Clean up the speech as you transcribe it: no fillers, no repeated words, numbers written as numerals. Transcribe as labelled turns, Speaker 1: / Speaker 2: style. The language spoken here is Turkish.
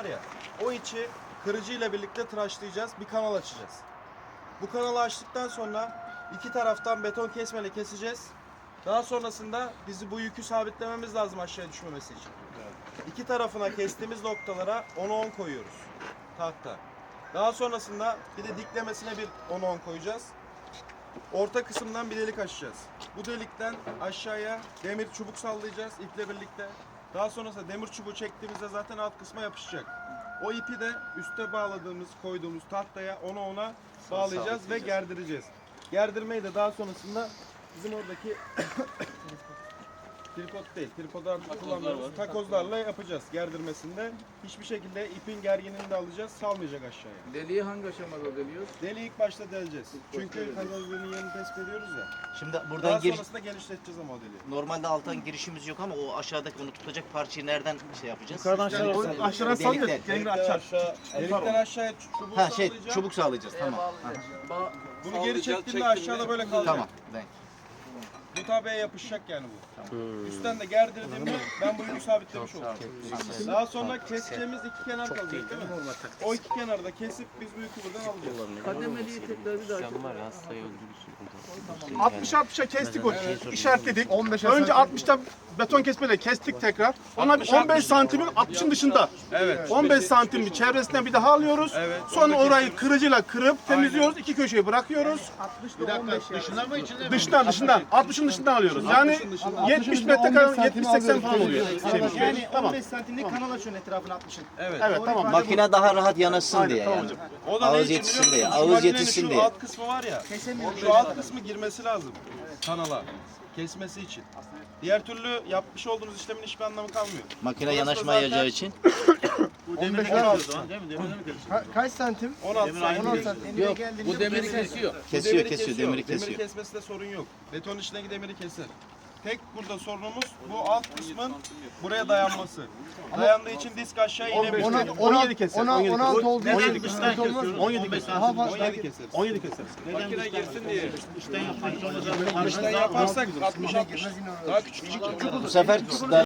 Speaker 1: var ya, o içi kırıcı ile birlikte tıraşlayacağız. Bir kanal açacağız. Bu kanalı açtıktan sonra iki taraftan beton kesmeyle keseceğiz. Daha sonrasında bu yükü sabitlememiz lazım aşağıya düşmemesi için. İki tarafına kestiğimiz noktalara 10'a 10 koyuyoruz. Tahta. Daha sonrasında bir de diklemesine bir 10'a 10 koyacağız. Orta kısımdan bir delik açacağız. Bu delikten aşağıya demir çubuk sallayacağız iple birlikte. Daha sonrasında demir çubuğu çektiğimizde zaten alt kısma yapışacak. O ipi de üste koyduğumuz tahtaya 10'a 10'a bağlayacağız ve gerdireceğiz. Gerdirmeyi de daha sonrasında bizim oradaki tripod değil, tripodlar kullandığımız takozlarla yapacağız gerdirmesinde. Hiçbir şekilde ipin gerginliğini de alacağız, salmayacak aşağıya.
Speaker 2: Deliği hangi aşamada deliyoruz?
Speaker 1: Deliği ilk başta deleceğiz. Çünkü takozların yerini tespit ediyoruz ya.
Speaker 3: Şimdi
Speaker 1: Daha
Speaker 3: buradan
Speaker 1: sonrasında genişleteceğiz ama o deliği.
Speaker 3: normalde alttan girişimiz yok ama o aşağıdaki onu tutacak parçayı nereden şey yapacağız?
Speaker 4: Yukarıdan aşağı aşağıdan sallıyor. Kendini açar.
Speaker 1: Delikten aşağıya çubuğu
Speaker 3: Ha
Speaker 1: sallayacağız.
Speaker 3: çubuk sağlayacağız tamam.
Speaker 1: Bunu geri çektiğinde aşağıda böyle kalacak.
Speaker 3: Tamam. Ben.
Speaker 1: Bu tabeye yapışacak yani bu. Üstten de gerdirdiğimde ben bu yükü sabitlemiş oldum. Daha sonra keseceğimiz iki kenar kalacak değil mi? O iki kenarda kesip biz bu yükü buradan alacağız.
Speaker 2: Kademeliği tekrar bir daha çek.
Speaker 4: 60'a kestik o işaretledik. Önce 60'ta beton kesmeyle kestik tekrar. Ona bir 15 santimin 60'ın dışında.
Speaker 1: Evet.
Speaker 4: 15 santim bir çevresinden bir daha alıyoruz.
Speaker 1: Evet.
Speaker 4: Sonra orayı kırıcıyla kırıp temizliyoruz. İki köşeyi bırakıyoruz.
Speaker 5: Bir dakika, dışına mı içine mi?
Speaker 4: Dışından 60'ın dışından alıyoruz. Yani 70 metrekare 70-80 falan oluyor.
Speaker 6: Yani
Speaker 4: Tamam.
Speaker 6: 15 santimlik kanal açıyorsun etrafını 60'ın.
Speaker 1: Evet.
Speaker 4: Evet tamam.
Speaker 3: Makine daha rahat yanaşsın diye
Speaker 4: tamam
Speaker 3: yani.
Speaker 4: hocam.
Speaker 1: O da
Speaker 3: Ağız
Speaker 1: ne için
Speaker 3: yetişsin
Speaker 1: biliyor
Speaker 3: diye,
Speaker 1: musun? Şu
Speaker 3: ağız
Speaker 1: makinenin
Speaker 3: yetişsin
Speaker 1: şu
Speaker 3: diye.
Speaker 1: alt kısmı var ya. Şu alt kısmı girmesi lazım kanala. Kesmesi için. Diğer türlü yapmış olduğunuz işlemin hiçbir anlamı kalmıyor.
Speaker 3: Makine
Speaker 1: Burası da
Speaker 3: yanaşmayacağı
Speaker 1: zaten-
Speaker 3: için.
Speaker 5: Bu demiri kesiyor o zaman değil mi? Demirle mi kesiyor?
Speaker 6: Kaç santim?
Speaker 1: 16 santim.
Speaker 2: Yok, bu demiri kesiyor.
Speaker 3: Kesiyor demiri
Speaker 1: Demiri
Speaker 3: kesiyor.
Speaker 1: kesmesinde sorun yok. Beton içindeki demiri keser. Tek burada sorunumuz bu alt kısmın buraya dayanması. Dayandığı için disk aşağı inemiyor.
Speaker 4: 17 keser.
Speaker 6: 16 olduğu için
Speaker 4: 17
Speaker 5: Dıştan kesiyoruz.
Speaker 4: 17
Speaker 5: 15
Speaker 4: keser.
Speaker 5: santim.
Speaker 1: 17 keseriz.
Speaker 4: 17 keser.
Speaker 1: Makine girsin diye.
Speaker 5: İşten yapmak zorunda.
Speaker 1: İşten yaparsak 60 daha küçük çıkacak.
Speaker 3: Bu sefer